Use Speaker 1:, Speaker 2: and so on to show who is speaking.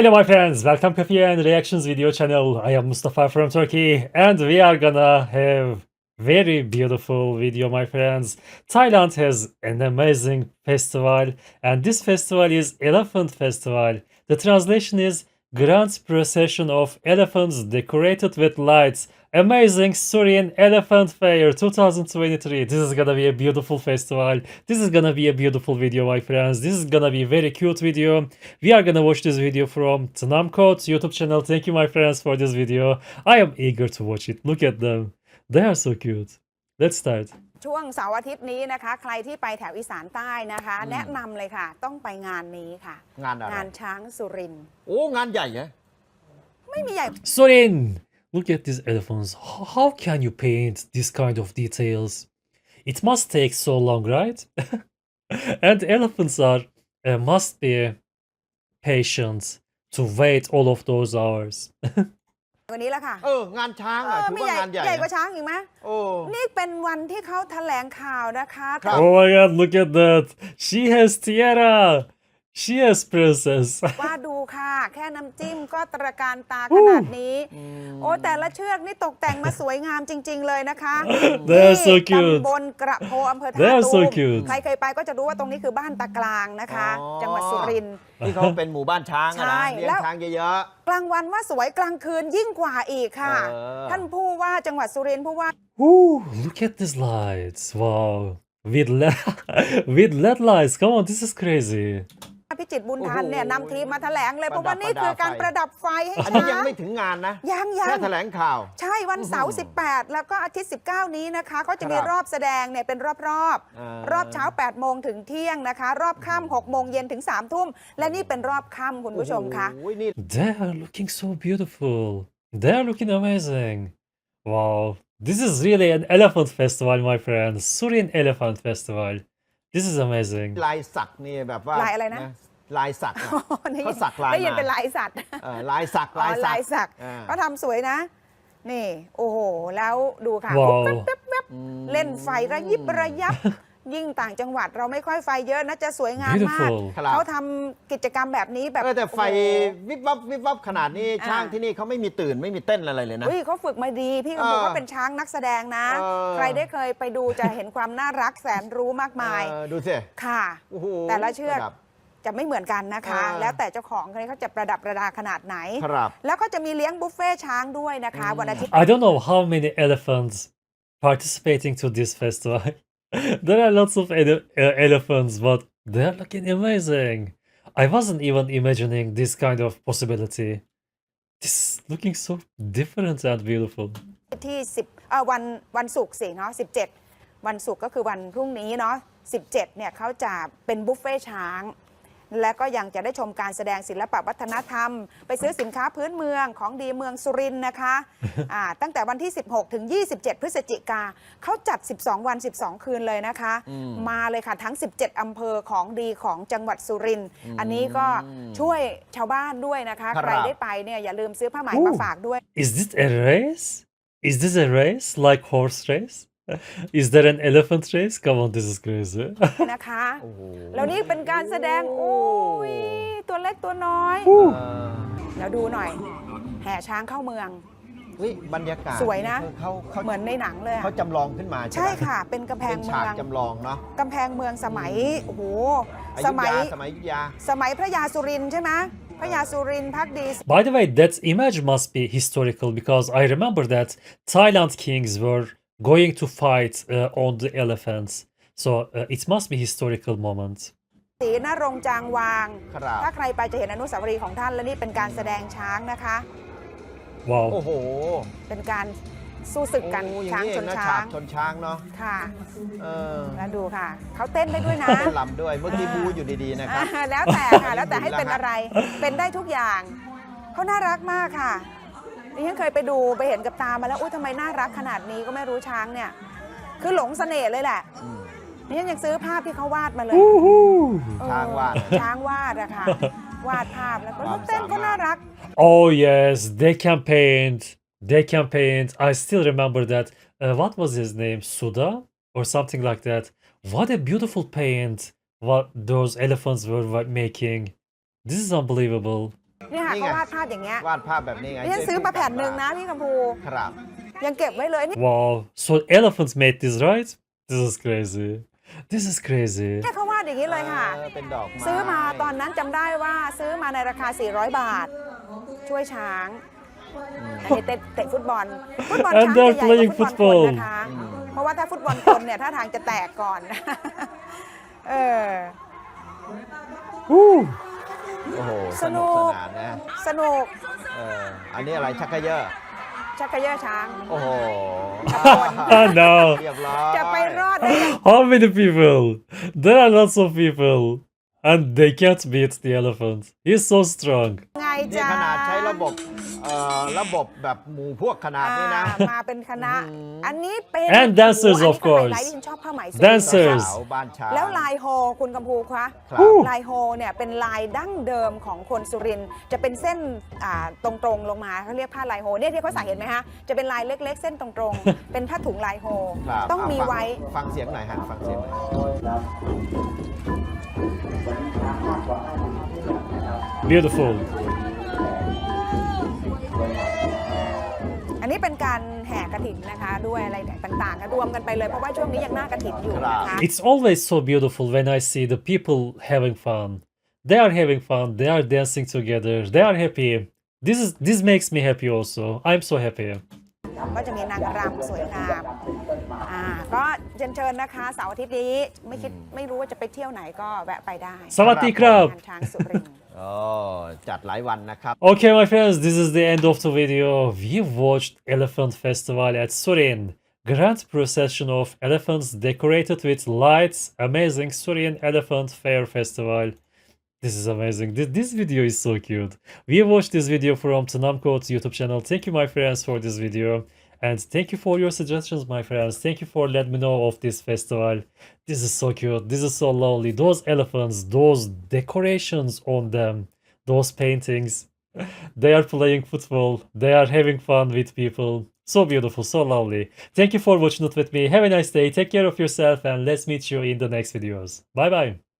Speaker 1: Hello my friends, welcome Coffee and Reactions video channel. I am Mustafa from Turkey and we are gonna have very beautiful video my friends. Thailand has an amazing festival and this festival is Elephant Festival. The translation is Grand Procession of Elephants Decorated with Lights. Amazing Surin Elephant Fair 2023. This is gonna be a beautiful festival. This is gonna be a beautiful video my friends. This is gonna be a very cute video. We are gonna watch this video from Tnamcode's YouTube channel. Thank you my friends for this video. I am eager to watch it. Look at them. They are so cute. Let's start.
Speaker 2: ช่วงเสาร์อาทิตย์นี้นะคะใครที่ไปแถวอีสานใต้นะคะแนะนำเลยค่ะต้องไปงานนี้ค่ะ
Speaker 3: งานอะไร
Speaker 2: งานช้างสุรินทร์
Speaker 3: โอ้งานใหญ่เหรอ
Speaker 2: ไม่มีใหญ่
Speaker 1: Surin! Look at these elephants. How can you paint this kind of details? It must take so long, right? And elephants are must be patient to wait all of those hours.
Speaker 2: วันนี้แหละค่ะ
Speaker 3: งานช้างอ่ะถือ
Speaker 2: ไม่
Speaker 3: ว่า
Speaker 2: ใหญ่
Speaker 3: งานใหญ่
Speaker 2: ใหญ่กว่า
Speaker 3: นะ
Speaker 2: ช้างอีกไหม
Speaker 3: โอ้
Speaker 2: นี่เป็นวันที่เขาแถลงข่าวนะคะ
Speaker 3: ครับ
Speaker 1: Oh my god, look at that. She has tiara. She has princess.
Speaker 2: ว่าดูค่ะ แค่น้ำจิ้มก็ตระการตาขนาดนี้ โอ้แต่ละเชือกนี่ตกแต่งมาสวยงามจริง ๆ เลยนะคะ
Speaker 1: They are so cute.
Speaker 2: ตำบลกระโพอำเภอ
Speaker 1: They
Speaker 2: ท่า
Speaker 1: are
Speaker 2: ตู
Speaker 1: so
Speaker 2: ม
Speaker 1: cute.
Speaker 2: ใครเคยไปก็จะรู้ว่าตรงนี้คือบ้านตากลางนะคะ
Speaker 3: อ๋อ
Speaker 2: จังหวัดสุรินทร์
Speaker 3: ที่เขาเป็นหมู่บ้านช้างอะ
Speaker 2: ใช่
Speaker 3: นะเลี้ย
Speaker 2: แล้
Speaker 3: ง
Speaker 2: ว
Speaker 3: ช้างเยอะ
Speaker 2: กลางวันว่าสวยกลางคืนยิ่งกว่าอีกค่ะ
Speaker 3: เออ
Speaker 2: ท่านผู้ว่าจังหวัดสุรินทร์ผู้ว่า
Speaker 1: Ooh, look at these lights. Wow. With LED, with LED lights. Come on, this is crazy.
Speaker 2: พิจิตรบุญทันเนี่ยนำทีมมาแถลงเลย
Speaker 3: ป
Speaker 2: เพ
Speaker 3: ระดับ
Speaker 2: ราะว่านี่คือการ
Speaker 3: ไฟ
Speaker 2: ประดับไฟให้
Speaker 3: ๆ อันนี้
Speaker 2: ช้า
Speaker 3: ยัง
Speaker 2: ง
Speaker 3: ไม่ถึงงานนะ
Speaker 2: ยัง
Speaker 3: แค่แถลงข่าว
Speaker 2: ใช่วันเสาร์ 18 แล้วก็อาทิตย์ 19 นี้นะคะเขาจะมี
Speaker 3: ครับ
Speaker 2: รอบแสดงเนี่ยเป็นรอบ
Speaker 3: อ่าร
Speaker 2: อบเช้า 8 โมงถึงเที่ยงนะคะ รอบค่ำ6 โมงเย็นถึง 3 ทุ่ม และนี่เป็นรอบค่ำคุณผู้ชมคะ
Speaker 3: โอ้โหนี่
Speaker 1: They are looking so beautiful. They are looking amazing. Wow. This is really an elephant festival, my friends. Surin Elephant Festival. This is amazing.
Speaker 3: ลายสักนี่แบบว่า
Speaker 2: ลายอะไรนะ
Speaker 3: ลายสักอะ
Speaker 2: ได้ยิ
Speaker 3: เขา
Speaker 2: น
Speaker 3: สักลาย
Speaker 2: ได้ยิน
Speaker 3: มา
Speaker 2: เป็นลายสัตว์
Speaker 3: ลายสัก
Speaker 2: อ๋อลายสัก
Speaker 3: อ่า
Speaker 2: เขาทำสวยนะ นี่ โอ้โห แล้วดูค่ะ
Speaker 1: ว้าว
Speaker 2: แวบๆเล่นไฟระยิบระยับ ยิ่งต่างจังหวัดเราไม่ค่อยไฟเยอะนะจะสวยงามมาก
Speaker 1: Beautiful.
Speaker 3: ครับ
Speaker 2: เขาทำกิจกรรมแบบนี้แบบ
Speaker 3: แต่ไฟ
Speaker 2: โอ้โห
Speaker 3: วิบวับวิบวับขนาดนี้
Speaker 2: อ่า
Speaker 3: ช้างที่นี่เขาไม่มีตื่นไม่มีเต้นอะไรเลยนะ
Speaker 2: เฮ้ยเขาฝึกมาดี พี่ก็บอกว่าเป็นช้างนักแสดงนะ ใครได้เคยไปดูจะเห็นความน่ารักแสนรู้มากมาย
Speaker 3: ดูสิ
Speaker 2: ค่ะ
Speaker 3: โอ้โห
Speaker 2: แต่ละเชือก
Speaker 3: ประดับ
Speaker 2: จะไม่เหมือนกันนะคะ แล้วแต่เจ้าของเขาจะประดับประดาขนาดไหน
Speaker 3: ครับ
Speaker 2: แล้วก็จะมีเลี้ยงบุฟเฟ่ช้างด้วยนะคะวันอาทิตย์
Speaker 1: I don't know how many elephants participating to this festival. There are lots of elephants, but they are looking amazing. I wasn't even imagining this kind of possibility. This is looking so different and beautiful.
Speaker 2: ที่วันศุกร์สิเนาะ17 วันศุกร์ก็คือวันพรุ่งนี้เนาะ17เนี่ยเขาจะเป็นบุฟเฟ่ช้าง และก็ยังจะได้ชมการแสดงศิลปะวัฒนธรรม ไปซื้อสินค้าพื้นเมืองของดีเมืองสุรินทร์นะคะ ตั้งแต่วันที่ 16 ถึง 27 พฤศจิกาเขาจัด 12 วัน 12 คืนเลยนะคะ มาเลยค่ะทั้ง 17 อำเภอของดีของจังหวัดสุรินทร์อันนี้ก็ช่วยชาวบ้านด้วยนะคะ
Speaker 3: ครับ
Speaker 2: ใครได้ไปเนี่ยอย่าลืมซื้อผ้าไหมมาฝากด้วย
Speaker 1: Is this a race? Is this a race like horse race? Is there an elephant race? Come on, this is crazy.
Speaker 2: นะคะ
Speaker 3: โอ้โห
Speaker 2: แล้วนี่เป็นการแสดงโอ้ยตัวเล็กตัวน้อย แล้วดูหน่อย แห่ช้างเข้าเมือง
Speaker 3: เฮ้ยบรรยากาศ
Speaker 2: สวยนะ
Speaker 3: เขา
Speaker 2: เหมือนในหนังเลยอะ
Speaker 3: เขาจำลองขึ้นมาใช่
Speaker 2: ใช่
Speaker 3: ไหม
Speaker 2: ค่ะ เป็นกำแพ
Speaker 3: เป็
Speaker 2: ง
Speaker 3: น
Speaker 2: เมื
Speaker 3: ฉาก
Speaker 2: อง
Speaker 3: จำลองเนาะ
Speaker 2: กำแพงเมืองสมัยโอ้โห
Speaker 3: อ
Speaker 2: ส
Speaker 3: ยุธ
Speaker 2: มัย
Speaker 3: ยาสมัยอยุธยา
Speaker 2: สมัยพระยาสุรินทร์ใช่ไหมพระยาสุรินทร์พักดี
Speaker 1: By the way, that image must be historical because I remember that Thailand kings were going to fight on the elephants. So it must be historical moment.
Speaker 2: ศรีนรงค์จางวาง
Speaker 3: ครับ
Speaker 2: ถ้าใครไปจะเห็นอนุสาวรีย์ของท่านและนี่เป็นการแสดงช้างนะคะ
Speaker 1: Wow.
Speaker 3: โอ้โห
Speaker 2: เป็นการสู้ศึกกัน
Speaker 3: โอ้อย่า
Speaker 2: ช้าง
Speaker 3: นี้
Speaker 2: ช
Speaker 3: เอง
Speaker 2: น
Speaker 3: นะ
Speaker 2: ช้า
Speaker 3: ฉาง กชนช้างเนาะ
Speaker 2: ค่ะ
Speaker 3: เออ
Speaker 2: แล้วดูค่ะ เขาเต้นได้ด้วยนะ
Speaker 3: เต้นลำด้วยเมื่อกี้บูอยู่ดีๆนะครับ
Speaker 2: แล้วแต่ค่ะ แล้วแต่ให้เป็นอะไร เป็นได้ทุกอย่าง เขาน่ารักมากค่ะดิฉันเคยไปดูไปเห็นกับตามาแล้ว อุ้ยทำไมน่ารักขนาดนี้ก็ไม่รู้ช้างเนี่ย คือหลงเสน่ห์เลยแหละดิฉันยังซื้อภาพที่เขาวาดมาเลย
Speaker 1: Woohoo!
Speaker 3: ช้างวาด
Speaker 2: ช้างวาดอะค่ะ วาดภาพแล้วก็
Speaker 3: ความ
Speaker 2: เต้นก็
Speaker 3: สามารถ
Speaker 2: น่ารัก
Speaker 1: Oh yes, they can paint. They can paint. I still remember that. What was his name? Suda or something like that. What a beautiful paint. What those elephants were making. This is unbelievable.
Speaker 2: เนี่ยค่ะ
Speaker 3: นี่
Speaker 2: เขา
Speaker 3: ไง
Speaker 2: วาดภาพอย่างเงี้ยว
Speaker 3: าดภาพแบบนี้ไง
Speaker 2: นี่ฉันซื้อมาแผ่นหนึ่งนะพี่กัมพู
Speaker 3: ครับ
Speaker 2: ยังเก็บไว้เลยนี่
Speaker 1: Wow. So elephants made this, right? This is crazy. This is crazy.
Speaker 2: เนี่ยเขาวาดอย่างนี้เลยค่ะ
Speaker 3: เป็นดอกไม้
Speaker 2: ซื้อมาตอนนั้นจำได้ว่าซื้อมาในราคา 400 บาท ช่วยช้างอันนี้เตะฟุตบอล ฟุตบอล
Speaker 1: And
Speaker 2: ช้าง
Speaker 1: they're
Speaker 2: จะใหญ่กว่า
Speaker 1: playing
Speaker 2: ฟุตบอลคน
Speaker 1: football
Speaker 2: นะคะ เพราะว่าถ้าฟุตบอลคนเนี่ยท่าทางจะแตกก่อน เออ
Speaker 1: Woo.
Speaker 3: โอ้โห
Speaker 2: ส
Speaker 3: ส
Speaker 2: นุ
Speaker 3: นุก
Speaker 2: ก
Speaker 3: สนานนะ
Speaker 2: สนุก
Speaker 3: อันนี้อะไรชักเขยอ
Speaker 2: ชักกระเยอะช้าง
Speaker 3: โอ้โห
Speaker 1: Oh no.
Speaker 3: เรียบร้อย
Speaker 2: จะไปรอดได้ยัง
Speaker 1: How many people? There are lots of people. And they can't beat the elephant. He's so strong.
Speaker 2: ไง
Speaker 3: นี่
Speaker 2: จ๊ะ
Speaker 3: ขนาดใช้ระบบแบบหมู่พวกขนาดนี้นะ
Speaker 2: มาเป็นคณะ อันนี้เป็น
Speaker 1: And dancers,
Speaker 2: โอ้
Speaker 1: of
Speaker 2: โหอันนี้ก็ไฮ
Speaker 1: course.
Speaker 2: ไลท์ที่ฉันชอบผ้าไหมสี
Speaker 1: Dancers
Speaker 3: สาวบ้านช้าง
Speaker 2: แล้วลายโฮคุณกัมพูคะ
Speaker 3: ครับ
Speaker 2: ลายโฮเนี่ยเป็นลายดั้งเดิมของคนสุรินทร์จะเป็นเส้นตรงๆลงมาเขาเรียกผ้าลายโฮเนี่ยที่เขาใส่เห็นไหมฮะจะเป็นลายเล็กๆ เส้นตรงๆ เป็นผ้าถุงลายโฮ
Speaker 3: ครับ
Speaker 2: ต้องมี
Speaker 3: เาฟั
Speaker 2: ไว้
Speaker 3: ฟังเสียงหน่อยฮะฟังเสียงหน่อย
Speaker 1: Beautiful.
Speaker 2: อันนี้เป็นการแห่กฐินนะคะด้วยอะไรต่างๆก็รวมกันไปเลยเพราะว่าช่วงนี้ยังหน้ากฐินอยู่นะคะ
Speaker 1: It's always so beautiful when I see the people having fun. They are having fun. They are dancing together. They are happy. This makes me happy also. I'm so happy.
Speaker 2: ก็จะมีนางรำสวยงามก็เชิญนะคะเสาร์อาทิตย์นี้ไม่รู้ว่าจะไปเที่ยวไหนก็แวะไปได้
Speaker 1: Sawadee krab.
Speaker 2: งานช้างสุรินทร์
Speaker 3: โอ้จัดหลายวันนะครับ
Speaker 1: Okay, my friends, this is the end of the video. We watched Elephant Festival at Surin. Grand procession of elephants decorated with lights. Amazing Surin Elephant Fair Festival. This is amazing. This video is so cute. We watched this video from Tanamco's YouTube channel. Thank you, my friends, for this video. And thank you for your suggestions, my friends. Thank you for letting me know of this festival. This is so cute. This is so lovely. Those elephants, those decorations on them, those paintings. They are playing football. They are having fun with people. So beautiful, so lovely. Thank you for watching it with me. Have a nice day. Take care of yourself and let's meet you in the next videos. Bye bye.